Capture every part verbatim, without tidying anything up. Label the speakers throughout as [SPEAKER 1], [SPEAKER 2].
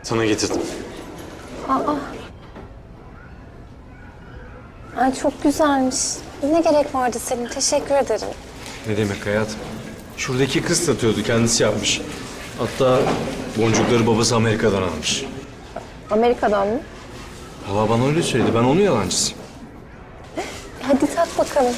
[SPEAKER 1] Sana getirdim.
[SPEAKER 2] Aa. Ay çok güzelmiş. Ne gerek vardı Selim? Teşekkür ederim.
[SPEAKER 1] Ne demek hayatım? Şuradaki kız satıyordu, kendisi yapmış. Hatta boncukları babası Amerika'dan almış.
[SPEAKER 2] Amerika'dan mı?
[SPEAKER 1] Valla bana öyle söyledi, ben onun yalancısıyım.
[SPEAKER 2] Hadi tak bakalım.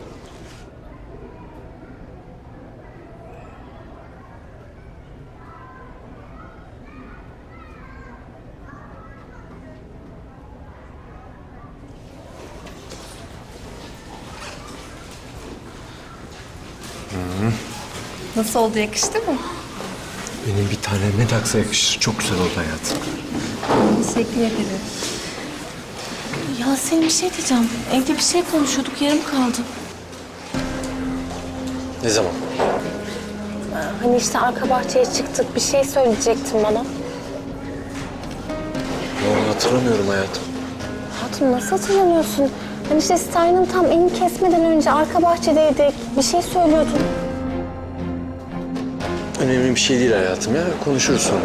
[SPEAKER 3] Nasıl oldu, yakıştı mı?
[SPEAKER 1] Benim bir tane ne taksa yakışır. Çok güzel oldu hayatım.
[SPEAKER 3] Teşekkür ederim. Ya Selim, bir şey diyeceğim. Evde bir şey konuşuyorduk, yarım kaldı.
[SPEAKER 1] Ne zaman?
[SPEAKER 2] Hani işte arka bahçeye çıktık. Bir şey söyleyecektin bana.
[SPEAKER 1] Vallahi hatırlamıyorum hayatım.
[SPEAKER 2] Hatun nasıl hatırlamıyorsun? Hani işte Stein'ın tam elini kesmeden önce arka bahçedeydik. Bir şey söylüyordun.
[SPEAKER 1] Önemli bir şey değil hayatım ya. Konuşuruz sonra.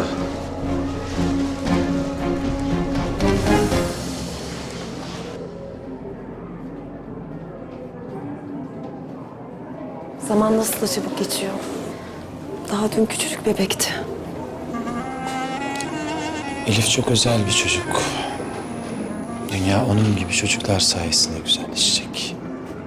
[SPEAKER 4] Zaman nasıl da çabuk geçiyor. Daha dün küçücük bebekti.
[SPEAKER 5] Elif çok özel bir çocuk. Dünya onun gibi çocuklar sayesinde güzelleşecek.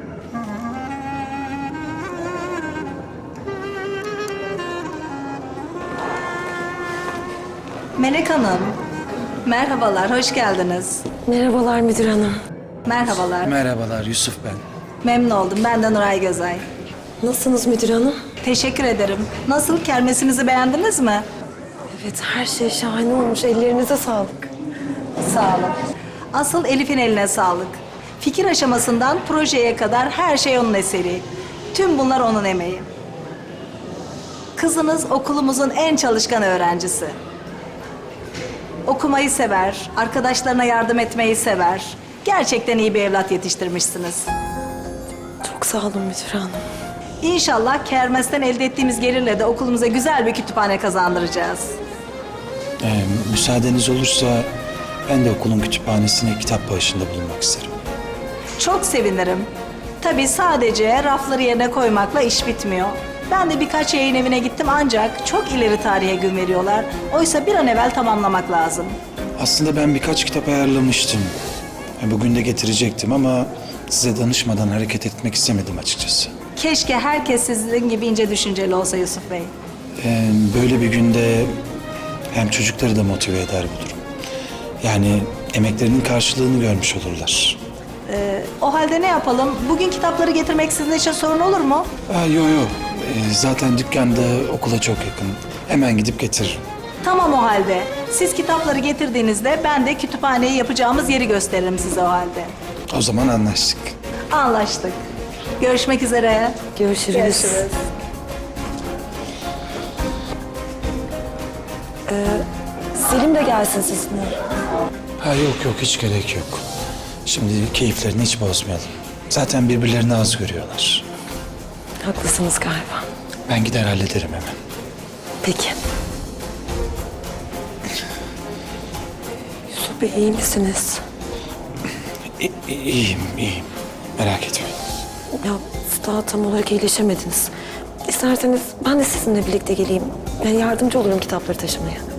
[SPEAKER 3] Melek Hanım, merhabalar, hoş geldiniz.
[SPEAKER 4] Merhabalar müdür hanım.
[SPEAKER 3] Merhabalar,
[SPEAKER 5] Merhabalar, Yusuf ben.
[SPEAKER 3] memnun oldum. Ben de Nuray Gözay.
[SPEAKER 4] Nasılsınız müdür hanım?
[SPEAKER 3] Teşekkür ederim. Nasıl, kermesimizi beğendiniz mi?
[SPEAKER 4] Evet, her şey şahane olmuş. Ellerinize sağlık.
[SPEAKER 3] Sağ olun. Asıl Elif'in eline sağlık. Fikir aşamasından projeye kadar her şey onun eseri. Tüm bunlar onun emeği. Kızınız okulumuzun en çalışkan öğrencisi. Okumayı sever, arkadaşlarına yardım etmeyi sever. Gerçekten iyi bir evlat yetiştirmişsiniz.
[SPEAKER 4] Çok sağ olun müdür hanım.
[SPEAKER 3] İnşallah kermesten elde ettiğimiz gelirle de okulumuza güzel bir kütüphane kazandıracağız.
[SPEAKER 5] Ee, müsaadeniz olursa ben de okulun kütüphanesine kitap bağışında bulunmak isterim.
[SPEAKER 3] Çok sevinirim. Tabii sadece rafları yerine koymakla iş bitmiyor. Ben de birkaç yayın evine gittim ancak çok ileri tarihe gün veriyorlar. Oysa bir an evvel tamamlamak lazım.
[SPEAKER 5] Aslında ben birkaç kitap ayarlamıştım. E, Bugün de getirecektim ama size danışmadan hareket etmek istemedim açıkçası.
[SPEAKER 3] Keşke herkes sizin gibi ince düşünceli olsa Yusuf Bey.
[SPEAKER 5] Ee, böyle bir günde hem çocukları da motive eder bu durum. Yani emeklerinin karşılığını görmüş olurlar.
[SPEAKER 3] Ee, o halde ne yapalım? Bugün kitapları getirmek sizin için sorun olur mu?
[SPEAKER 5] Aa, yo yo. Ee, zaten dükkanda okula çok yakın. Hemen gidip getiririm.
[SPEAKER 3] Tamam o halde. Siz kitapları getirdiğinizde ben de kütüphaneyi yapacağımız yeri gösteririm size o halde.
[SPEAKER 5] O zaman anlaştık.
[SPEAKER 3] Anlaştık. Görüşmek üzere.
[SPEAKER 4] Görüşürüz.
[SPEAKER 3] Görüşürüz.
[SPEAKER 4] Selim de gelsin sizinle.
[SPEAKER 5] Ha yok yok hiç gerek yok. Şimdi keyiflerini hiç bozmayalım. Zaten birbirlerini az görüyorlar.
[SPEAKER 4] Haklısınız galiba.
[SPEAKER 5] Ben gider hallederim hemen.
[SPEAKER 4] Peki. Yusuf Bey iyi misiniz?
[SPEAKER 5] İ- i- iyiyim iyiyim. Merak etmeyin.
[SPEAKER 4] Ya daha tam olarak iyileşemediniz. İsterseniz ben de sizinle birlikte geleyim. Ben yardımcı olurum kitapları taşımaya.